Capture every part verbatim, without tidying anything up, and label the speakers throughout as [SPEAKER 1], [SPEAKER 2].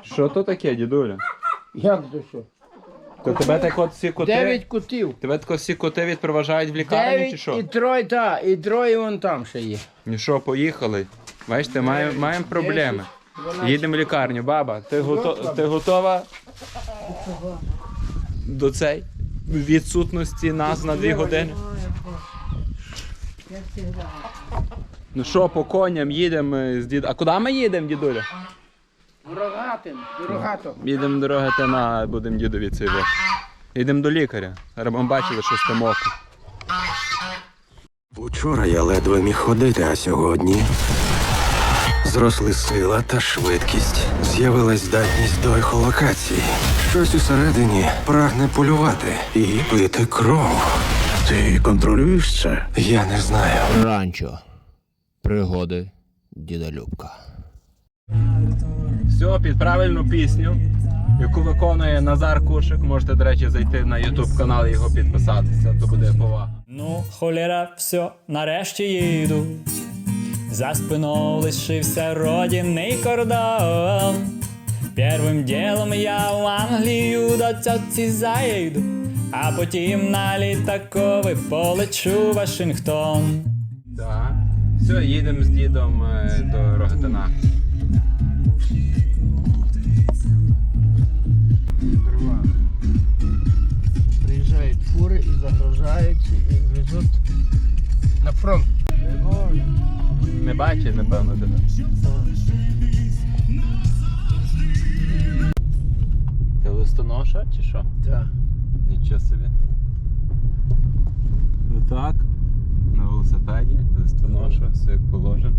[SPEAKER 1] Що то таке, дідуля?
[SPEAKER 2] Як до що?
[SPEAKER 1] То тебе так от всі коти...
[SPEAKER 2] Дев'ять котів.
[SPEAKER 1] Тебе так всі коти відпроважають в лікарню чи
[SPEAKER 2] Дев'ять
[SPEAKER 1] що?
[SPEAKER 2] і троє, та, і троє вон там ще є.
[SPEAKER 1] Ну що, поїхали? Бачите, маємо маємо проблеми. Їдемо в лікарню. Баба, ти, гото... ти готова до цей відсутності нас на дві години? Ну що, по коням їдемо з дід... А куди ми їдемо, дідуля?
[SPEAKER 2] Рогатим, рогато.
[SPEAKER 1] Їдемо до Рогатина, будемо дідові цей ваш. Їдемо до лікаря. Ми бачили, що з тим оком.
[SPEAKER 3] Учора я ледве міг ходити, а сьогодні зросли сила та швидкість. З'явилась здатність до ехолокації. Щось усередині прагне полювати і пити кров. Ти контролюєш це? Я не знаю.
[SPEAKER 2] Ранчо. Пригоди діда Любка.
[SPEAKER 1] Все, під правильну пісню, яку виконує Назар Кушик. Можете, до речі, зайти на ютуб канал і його підписатися, то буде повага.
[SPEAKER 4] Ну, холєра, все, нарешті їду. За спиною лишився родинний кордон. Первим ділом я в Англію до тьоті заїду, а потім на літакові полечу в Вашингтон.
[SPEAKER 1] Так. Все, їдемо з дідом е, до Рогатина.
[SPEAKER 2] Приїжджають фури і загружають, і везуть на фронт.
[SPEAKER 1] Не бачить, напевно, тебе. Ти листоноша чи що?
[SPEAKER 2] Так.
[SPEAKER 1] Нічого собі. Ну так, на велосипеді, листоноша, все як положено.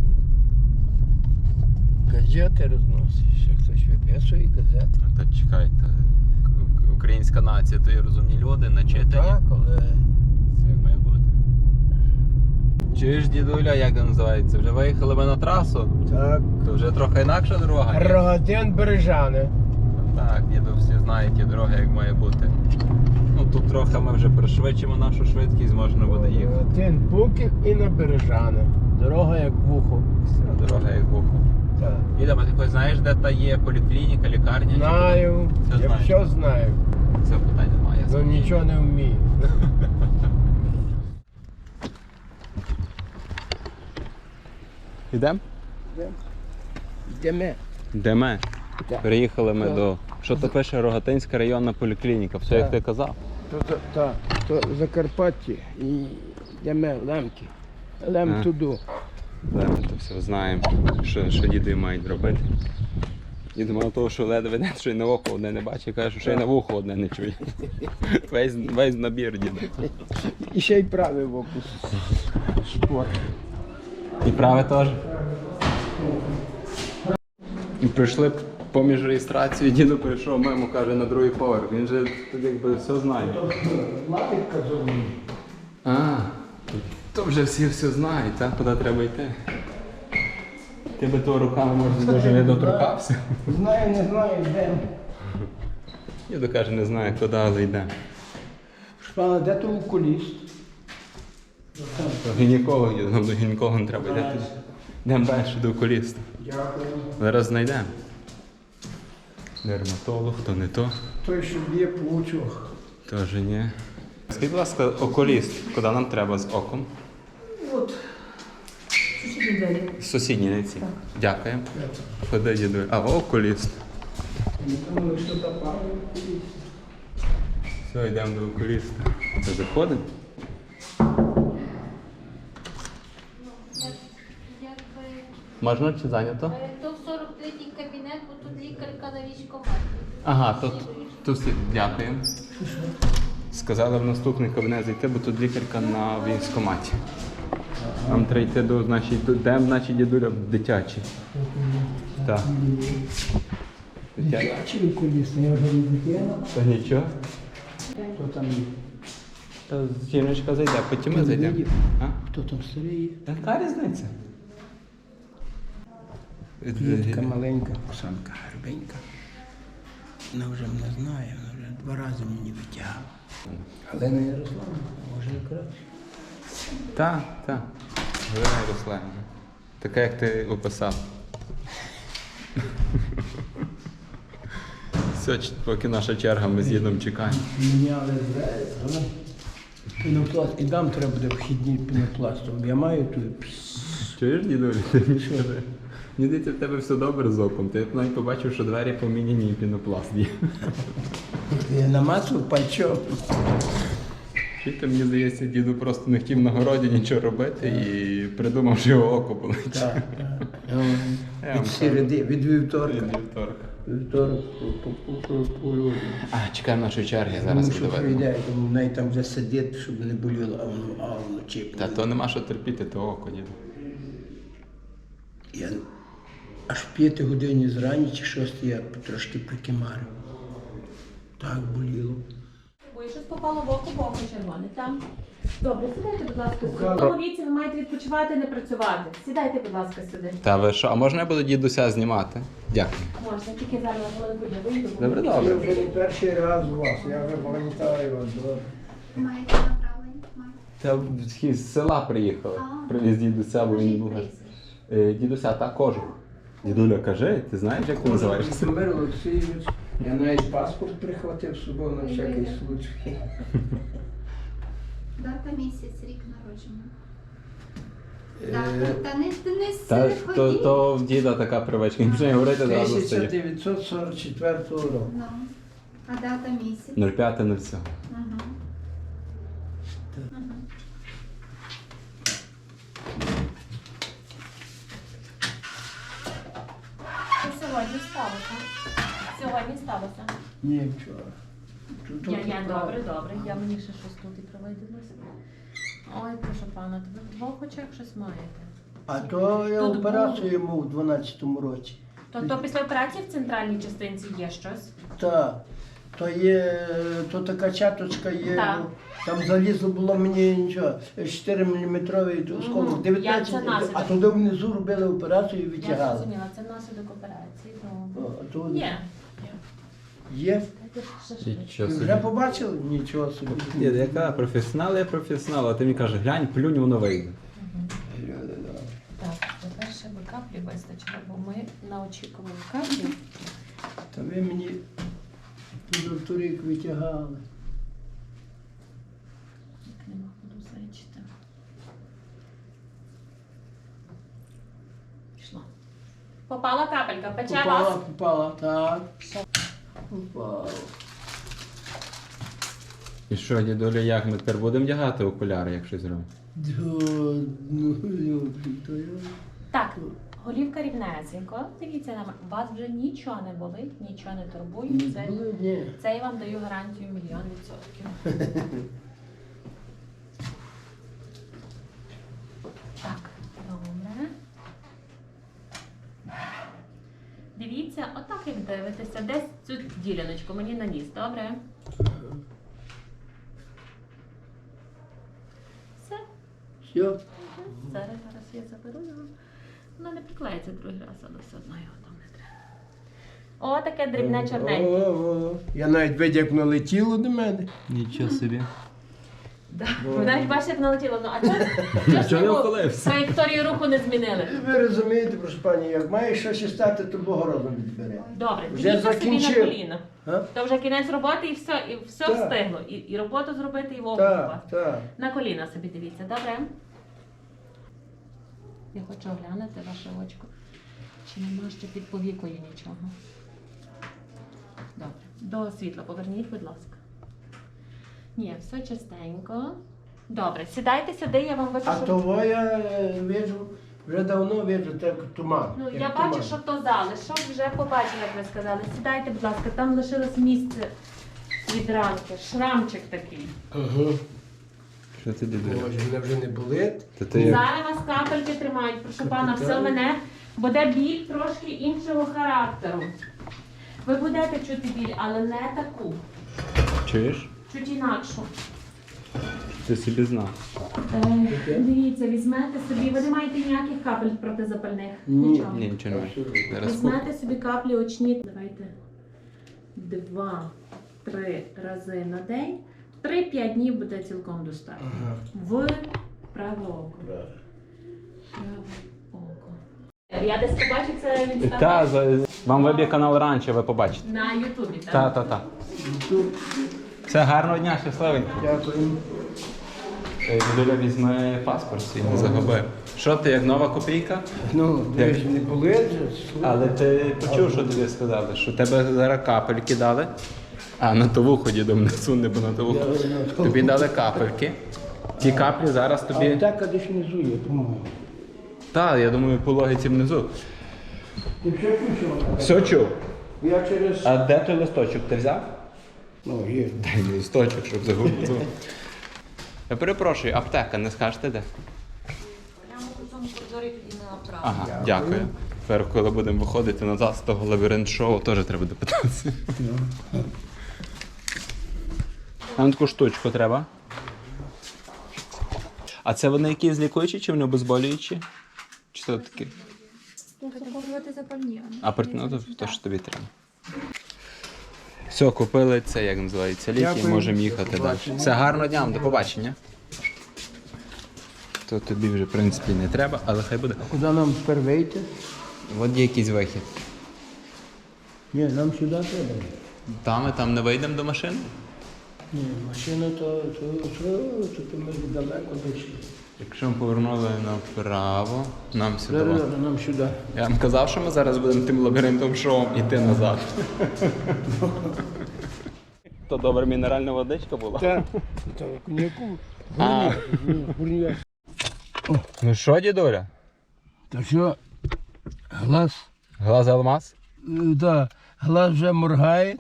[SPEAKER 2] Газети розносить, ще хтось виписує газети.
[SPEAKER 1] А то чекайте, к- українська нація, то є розумні люди, начитані.
[SPEAKER 2] Так, але
[SPEAKER 1] Це як має бути. Чуєш, дідуля, як це називається? Вже виїхали ми на трасу,
[SPEAKER 2] так.
[SPEAKER 1] то вже трохи інакша дорога. ні?
[SPEAKER 2] Рогатин Бережани.
[SPEAKER 1] Так, діду всі знають ті дороги, як має бути. Ну тут трохи ми вже пришвидшимо нашу швидкість, можна буде їхати.
[SPEAKER 2] Рогатин Буків і на Бережани. Дорога як вухо.
[SPEAKER 1] Все, дорога як вухо.
[SPEAKER 2] Так.
[SPEAKER 1] Діда, а ти хоч знаєш, де та є поліклініка, лікарня? чи
[SPEAKER 2] Знаю,
[SPEAKER 1] Все
[SPEAKER 2] я
[SPEAKER 1] знаєш.
[SPEAKER 2] все знаю,
[SPEAKER 1] де? Це питань немає. я
[SPEAKER 2] але
[SPEAKER 1] спокійний.
[SPEAKER 2] нічого не вмію.
[SPEAKER 1] Йдемо?
[SPEAKER 2] Йдемо.
[SPEAKER 1] Де ми?
[SPEAKER 2] Так.
[SPEAKER 1] Приїхали ми
[SPEAKER 2] Так.
[SPEAKER 1] до... Що то пише Рогатинська районна поліклініка, все як
[SPEAKER 2] Так.
[SPEAKER 1] ти казав.
[SPEAKER 2] То, то, то, то Закарпаття і йдемо Лемки. Лем
[SPEAKER 1] А.
[SPEAKER 2] туди.
[SPEAKER 1] Да, ми то все знаємо, що, що діди мають робити. Дід мало того, що ледве не, що й на око одне не бачить, каже, що ще й на вухо одне не чує. Весь, весь набір діда.
[SPEAKER 2] І ще й правий в оку. Спорт.
[SPEAKER 1] І праве теж. І прийшли поміж реєстрацією, діду прийшов мимо, каже, на другий поверх. Він же тут якби все знає.
[SPEAKER 2] Лапітка зовні.
[SPEAKER 1] А, то вже всі все знають, так? Куди треба йти. Ти би того руками, може, дуже не доторкався.
[SPEAKER 2] Знаю, не знаю, йдемо.
[SPEAKER 1] Діду каже, не знає, куди, але йде.
[SPEAKER 2] Шпана, де то окуліст?
[SPEAKER 1] Гінеколог, діду, нам до гінеколога не треба йти. Йдемо далі до окуліста.
[SPEAKER 2] Дякую.
[SPEAKER 1] Зараз знайдемо. Дерматолог, то не то.
[SPEAKER 2] Той, що б'є по очах.
[SPEAKER 1] Тоже ні. Скажіть, будь ласка, окуліст, куди нам треба з оком?
[SPEAKER 5] От. Сусідні двері.
[SPEAKER 1] З сусідньої ці. Дякуємо. Ходи, діду. А, окуліст.
[SPEAKER 2] Думали, що та пара окуліст.
[SPEAKER 1] Все, йдемо до окуліста. Це заходимо?
[SPEAKER 6] Якби
[SPEAKER 1] Можна чи зайнято?
[SPEAKER 6] е, то в сорок третій кабінет, бо тут лікарка на військкоматі.
[SPEAKER 1] Ага, тут, тут всі. Дякуємо. Сказали в наступний кабінет зайти, бо тут лікарка на військкоматі. Нам треба йти до, значить, до, де наші дідуля дитячі. Так. Дитячі.
[SPEAKER 2] Чи окуліст? Я вже не дитина.
[SPEAKER 1] Та нічого.
[SPEAKER 2] Хто там є?
[SPEAKER 1] Та жіночка зайде, потім ми зайдемо. А?
[SPEAKER 2] Хто там старий є?
[SPEAKER 1] Яка різниця?
[SPEAKER 2] Дітка маленька, Оксанка гарбенька. Вона вже мене знає, вона вже два рази мені витягала. Галина Ярославна, може і краще.
[SPEAKER 1] Так, так. Галина Ярославівна. Така, як ти описав. Все, ч- поки наша черга, ми з їдом чекаємо.
[SPEAKER 2] Міняли зразу. Пінопласт. І дам треба буде вхідні пінопластом. Я маю тут.
[SPEAKER 1] Чуєш, дідуль? Ти мені що? Мені здається, в тебе все добре з оком. Ти навіть побачив, що двері поміняні і пінопласт є.
[SPEAKER 2] Я намацав пальчом.
[SPEAKER 1] Чи ти, мені здається, діду просто не хотів на городі нічого робити і придумав, що його око болить.
[SPEAKER 2] Так, так.
[SPEAKER 1] Я вам
[SPEAKER 2] Від середи, від вівторка.
[SPEAKER 1] Від вівторка.
[SPEAKER 2] Вівторок по- по- по- по люди.
[SPEAKER 1] А, чекаємо нашої черги,
[SPEAKER 2] Тому
[SPEAKER 1] зараз
[SPEAKER 2] що
[SPEAKER 1] буде видно.
[SPEAKER 2] прийде, тому навіть там вже сидить, щоб не боліло, а воно, а воно чіпне.
[SPEAKER 1] Та то нема що терпіти, то око, діду.
[SPEAKER 2] Я аж в п'ятій годині зрані чи шостій я трошки прикимарив. Так боліло.
[SPEAKER 5] Бо щось попало в око, в око червоне. Там. Добре, сідайте, будь ласка, сюди.
[SPEAKER 2] Добре.
[SPEAKER 5] В тому віці ви маєте відпочивати, не працювати. Сідайте, будь ласка, сюди.
[SPEAKER 1] Та ви що, а можна я буду дідуся знімати? Дякую.
[SPEAKER 5] Можна, тільки зараз на хвилинку я вийду. бо-
[SPEAKER 1] Добре,
[SPEAKER 2] Я
[SPEAKER 1] добре.
[SPEAKER 2] вже не перший раз у вас, я вже пам'ятаю вас. добре.
[SPEAKER 6] Маєте направлення? Маєте.
[SPEAKER 1] Та з села приїхали. Привіз дідуся, бо він був. Е, Дідуся, та кожух. Дідуля, кажи, ти знаєш, як ти називаєшся?
[SPEAKER 2] Володимир Олексійович, я навіть паспорт прихватив з собою на всякий случай.
[SPEAKER 6] Дата, місяць, рік народження.
[SPEAKER 2] Е,
[SPEAKER 6] Дата, та не, ти не
[SPEAKER 1] Та,
[SPEAKER 6] не
[SPEAKER 1] то,
[SPEAKER 6] ходіть.
[SPEAKER 1] то в діда така привичка, він починає говорити зразу
[SPEAKER 2] тисяча
[SPEAKER 1] стає.
[SPEAKER 2] дев'ятсот сорок четвертого року.
[SPEAKER 6] Ну, а дата, місяць.
[SPEAKER 1] нуль п'ять нуль сім.
[SPEAKER 6] Ага. Ага.
[SPEAKER 5] Що сьогодні сталося? Сьогодні сталося.
[SPEAKER 2] Ні, вчора. Тут-
[SPEAKER 5] Я,
[SPEAKER 2] тут
[SPEAKER 5] я,
[SPEAKER 2] правда.
[SPEAKER 5] добре, добре. Я мені ще щось тут і привиділося. Ой, прошу пана, то ви в двох очах щось маєте.
[SPEAKER 2] А то я
[SPEAKER 5] Тут
[SPEAKER 2] операцію йому в дванадцятому році.
[SPEAKER 5] То, то після операції в центральній частинці є щось?
[SPEAKER 2] Так. То є, то така чаточка є,
[SPEAKER 5] Так.
[SPEAKER 2] ну, там залізло було мені нічого, чотири міліметровий осколок,
[SPEAKER 5] Мгм.
[SPEAKER 2] дев'ятнадцять,
[SPEAKER 5] Як це наслідок?
[SPEAKER 2] а туди внизу робили операцію і
[SPEAKER 5] Я
[SPEAKER 2] витягали.
[SPEAKER 5] зрозуміла, це наслідок операції. Ну,
[SPEAKER 2] О, а то
[SPEAKER 5] є.
[SPEAKER 2] є.
[SPEAKER 5] Дайте ще швидше.
[SPEAKER 1] Нічого
[SPEAKER 2] Ви
[SPEAKER 1] собі.
[SPEAKER 2] вже побачили? Нічого собі.
[SPEAKER 1] Дід, яка професіонал, я професіонал, а ти мені кажеш, глянь, плюнь, воно вийде.
[SPEAKER 5] Так, тепер ще би каплі вистачило, бо ми на очікуванні каплі.
[SPEAKER 2] Та ви мені позавторік витягали.
[SPEAKER 5] Як нема буду зайчити. Пішло. Попала капелька, пече
[SPEAKER 2] Попала,
[SPEAKER 5] вас.
[SPEAKER 2] попала, так. Попала.
[SPEAKER 1] І що, дідуля, як ми тепер будемо вдягати окуляри, якщо зробимо?
[SPEAKER 2] Да, ну, любі, то я.
[SPEAKER 5] Так, голівка рівнесенько. Дивіться на мене. Вас вже нічого не болить, нічого не турбує.
[SPEAKER 2] Не
[SPEAKER 5] Це,
[SPEAKER 2] було, ні.
[SPEAKER 5] це я вам даю гарантію мільйон відсотків. Так, добре. Дивіться, отак як дивитеся, десь цю діляночку мені на ніс, добре? Все.
[SPEAKER 2] Все.
[SPEAKER 5] Зараз, зараз я заберу його. Воно не приклеїться другий раз, але все одно його там не треба. О, таке дрібне чорненьке.
[SPEAKER 2] О, о. Я навіть видів, як воно летіло до мене.
[SPEAKER 1] Нічого собі.
[SPEAKER 5] Да. Ви навіть бачите, як налетіло. Ну, а чого чого ж
[SPEAKER 1] Чого не
[SPEAKER 5] йому
[SPEAKER 1] ухилився?
[SPEAKER 5] траєкторію руху не змінили?
[SPEAKER 2] Ви розумієте, прошу пані, як має щось стати, то Бог розум відбере.
[SPEAKER 5] Добре,
[SPEAKER 2] Вже
[SPEAKER 5] дивіться собі на
[SPEAKER 2] закінчив.
[SPEAKER 5] коліна.
[SPEAKER 2] А?
[SPEAKER 5] То вже кінець роботи і все, і все
[SPEAKER 2] Так.
[SPEAKER 5] встигло. І, і роботу зробити, і вогонь у вас.
[SPEAKER 2] Так, так.
[SPEAKER 5] На коліна собі дивіться, добре? Я хочу оглянути ваше очко. Чи нема ще під повікою нічого? Добре. До світла поверніть, будь ласка. Ні, все чистенько. Добре, сідайте сюди, я вам
[SPEAKER 2] А
[SPEAKER 5] випишу.
[SPEAKER 2] того я е, виджу, вже давно виджу, так туман.
[SPEAKER 5] Ну,
[SPEAKER 2] як
[SPEAKER 5] я
[SPEAKER 2] туман.
[SPEAKER 5] бачу, що то залишок, вже побачила, як ви сказали. Сідайте, будь ласка, там лишилось місце від ранки. Шрамчик такий.
[SPEAKER 2] Ага.
[SPEAKER 1] Що ти, дідуля?
[SPEAKER 2] Боже, мене вже не болить.
[SPEAKER 1] Та ти як?
[SPEAKER 5] Зараз вас капельки тримають, прошу пана, все мене буде біль трошки іншого характеру. Ви будете чути біль, але не таку,
[SPEAKER 1] Чуєш?
[SPEAKER 5] чуть інакшу.
[SPEAKER 1] Ти собі знав.
[SPEAKER 5] Е, дивіться, візьмете собі, ви не маєте ніяких капель протизапальних?
[SPEAKER 2] Ні.
[SPEAKER 5] Нічого.
[SPEAKER 1] Ні, нічого немає. Зараз куп.
[SPEAKER 5] Візьмете собі каплі очні. Давайте два-три рази на день. Три-п'ять днів буде цілком достатньо.
[SPEAKER 2] Ага.
[SPEAKER 5] В праве око. Праве око. Я десь побачу це в інстаграмі.
[SPEAKER 1] Та, за- вам виб'є канал раніше, ви побачите.
[SPEAKER 5] На Ютубі, так?
[SPEAKER 1] Та, та, та. Все, гарного дня, щасливенько.
[SPEAKER 2] Дякую.
[SPEAKER 1] Е, Дідуля, візьми паспорт свій, не загуби. Що ти, як нова копійка?
[SPEAKER 2] Ну, ви ж не були вже.
[SPEAKER 1] Але ти почув, що тобі сказали, що тебе зараз капельки дали. А, на ту вухо дідом не суне, бо на ту вухо. Тобі дали капельки. Ті каплі зараз тобі.
[SPEAKER 2] Аптека десь внизу є, по-моєму.
[SPEAKER 1] Так, я думаю, по логіці внизу.
[SPEAKER 2] Ти все включив?
[SPEAKER 1] Все чув.
[SPEAKER 2] Я через...
[SPEAKER 1] А де той листочок ти взяв?
[SPEAKER 2] Ну, є.
[SPEAKER 1] Дай мені листочок, щоб загубити. Я перепрошую, аптека, не скажете де?
[SPEAKER 6] Прямо у цьому коридорі тоді не направо.
[SPEAKER 1] Ага, дякую. Тепер, коли будемо виходити назад з того лабіринт-шоу, теж треба допитатися. Нам таку штучку треба. А це вони якісь лікуючі чи вони обезболюючі? Чи це такі?
[SPEAKER 6] Захоплювати запальні.
[SPEAKER 1] А ну, то, то що тобі треба. Все, купили це, як називається, ліки,
[SPEAKER 2] Дякую.
[SPEAKER 1] можемо їхати
[SPEAKER 2] До
[SPEAKER 1] далі.
[SPEAKER 2] побачення.
[SPEAKER 1] Все, гарного дня, до побачення. То тобі вже, в принципі, не треба, але хай буде.
[SPEAKER 2] Куди нам тепер вийти?
[SPEAKER 1] От є якийсь вихід.
[SPEAKER 2] Ні, нам сюди треба.
[SPEAKER 1] Там ми там не вийдемо до машини?
[SPEAKER 2] Ні, машина то, то, то, то, то ми далеко дійшли.
[SPEAKER 1] Якщо ми повернули направо, нам сюди.
[SPEAKER 2] Зараз нам сюди.
[SPEAKER 1] Я вам казав, що ми зараз будемо тим лабіринтом шоу йти назад. То добра мінеральна водичка була?
[SPEAKER 2] Так, то коньяку.
[SPEAKER 1] А.
[SPEAKER 2] Гурня.
[SPEAKER 1] Ну що, дідуля?
[SPEAKER 2] То що, глаз,
[SPEAKER 1] Глаз алмаз?
[SPEAKER 2] да, глаз вже моргає.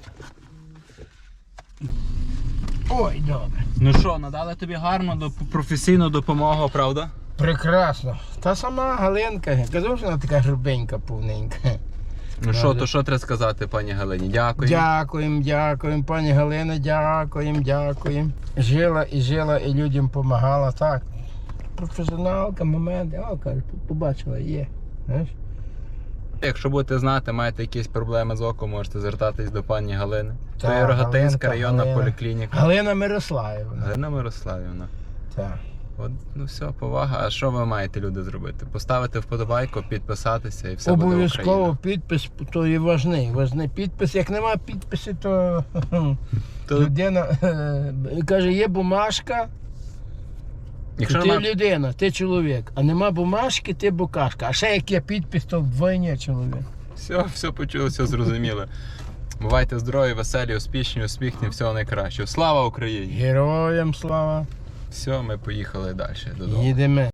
[SPEAKER 2] Ой, добре.
[SPEAKER 1] Ну що, надали тобі гарну доп- професійну допомогу, правда?
[SPEAKER 2] Прекрасно. Та сама Галинка, казав, що вона така грубенька, повненька.
[SPEAKER 1] Ну що, то що треба сказати, пані Галині? Дякую.
[SPEAKER 2] Дякуємо, дякуємо, пані Галина, дякуємо, дякуємо. Жила і жила, і людям допомагала, так. Професіоналка, моменти, о, каже, побачила, є. Знаєш?
[SPEAKER 1] Якщо будете знати, маєте якісь проблеми з оком, можете звертатись до пані Галини.
[SPEAKER 2] Так,
[SPEAKER 1] То є Рогатинська
[SPEAKER 2] Галинка,
[SPEAKER 1] районна
[SPEAKER 2] Галина.
[SPEAKER 1] поліклініка.
[SPEAKER 2] Галина Мирославівна.
[SPEAKER 1] Галина Мирославівна.
[SPEAKER 2] Так.
[SPEAKER 1] От, ну все, повага. А що ви маєте, люди, зробити? Поставити вподобайку, підписатися і все буде
[SPEAKER 2] Обов'язково
[SPEAKER 1] Україна.
[SPEAKER 2] підпис, то є важний, важний підпис. Як нема підпису, то,
[SPEAKER 1] То-
[SPEAKER 2] людина е, каже, є бумажка,
[SPEAKER 1] Якщо
[SPEAKER 2] ти
[SPEAKER 1] немає...
[SPEAKER 2] людина, ти чоловік. А нема бумажки, ти букашка. А ще як є підпис, то вдвоє чоловік.
[SPEAKER 1] Все, все почули, все зрозуміли. Бувайте здорові, веселі, успішні, усміхні, всього найкращого. Слава Україні!
[SPEAKER 2] Героям слава.
[SPEAKER 1] Все, ми поїхали далі додому.
[SPEAKER 2] Їдемо.